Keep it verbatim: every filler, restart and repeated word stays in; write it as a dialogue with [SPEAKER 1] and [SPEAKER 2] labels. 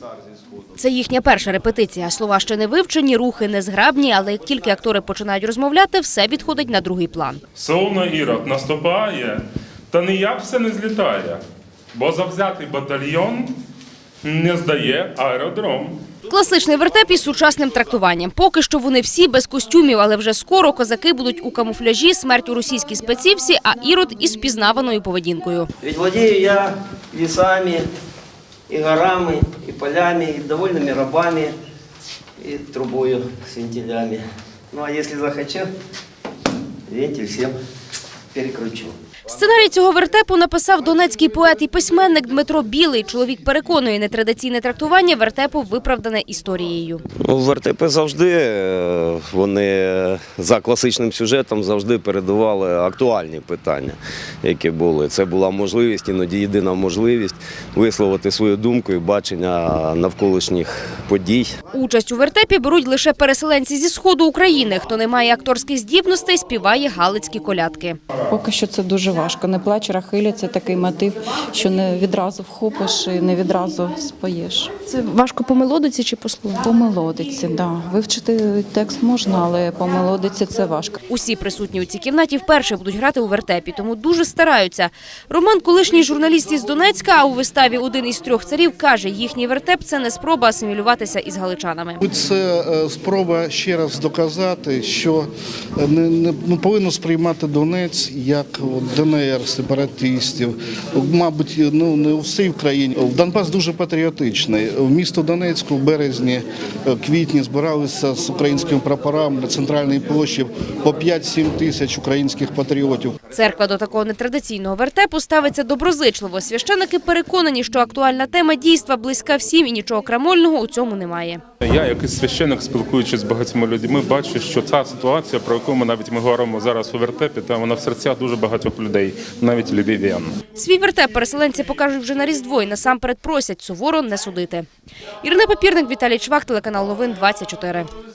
[SPEAKER 1] Це їхня перша репетиція. Слова ще не вивчені, рухи незграбні, але як тільки актори починають розмовляти, все відходить на другий план.
[SPEAKER 2] Солно Ірод наступає, та ніяк все не злітає, бо завзятий батальйон не здає аеродром.
[SPEAKER 1] Класичний вертеп із сучасним трактуванням. Поки що вони всі без костюмів, але вже скоро козаки будуть у камуфляжі, смерть у російській спецівці, а Ірод із впізнаваною поведінкою.
[SPEAKER 3] Ведь владею я лісами, і горами, і полями, і довольними рабами, і трубою з вентилями. Ну а якщо захочу, вентиль всім перекручу.
[SPEAKER 1] Сценарій цього вертепу написав донецький поет і письменник Дмитро Білий. Чоловік переконує, нетрадиційне трактування вертепу виправдане історією.
[SPEAKER 4] Ну, вертепи завжди, вони за класичним сюжетом завжди передавали актуальні питання, які були. Це була можливість, іноді єдина можливість висловити свою думку і бачення навколишніх подій.
[SPEAKER 1] Участь у вертепі беруть лише переселенці зі сходу України. Хто не має акторських здібностей, співає галицькі колядки.
[SPEAKER 5] Поки що це дуже важко. Не плач, Рахиля – це такий мотив, що не відразу вхопиш і не відразу споєш.
[SPEAKER 6] Це важко по мелодиці чи по слову?
[SPEAKER 5] По мелодиці, так. Да. Вивчити текст можна, але по мелодиці це важко.
[SPEAKER 1] Усі присутні у цій кімнаті вперше будуть грати у вертепі, тому дуже стараються. Роман – колишній журналіст із Донецька, а у виставі «Один із трьох царів» каже, їхній вертеп – це не спроба асимілюватися із галичанами.
[SPEAKER 7] Це спроба ще раз доказати, що не, не, не повинно сприймати Донець як Д Н Р, сепаратистів. Мабуть, ну не у всій країні. Донбас дуже патріотичний. В місто Донецьку в березні, квітні збиралися з українськими прапорами на центральній площі по п'ять-сім тисяч українських патріотів.
[SPEAKER 1] Церква до такого нетрадиційного вертепу ставиться доброзичливо. Священики переконані, що актуальна тема дійства близька всім і нічого крамольного у цьому немає.
[SPEAKER 2] Я, як і священик, спілкуючись з багатьма людьми, бачу, що ця ситуація, про яку ми навіть ми говоримо зараз у вертепі, та вона в серцях дуже багатьох людей, навіть львів'ян.
[SPEAKER 1] Свій вертеп переселенці покажуть вже на Різдво і насамперед просять суворо не судити. Ірина Папірник, Віталій Чвак, телеканал Новин двадцять чотири.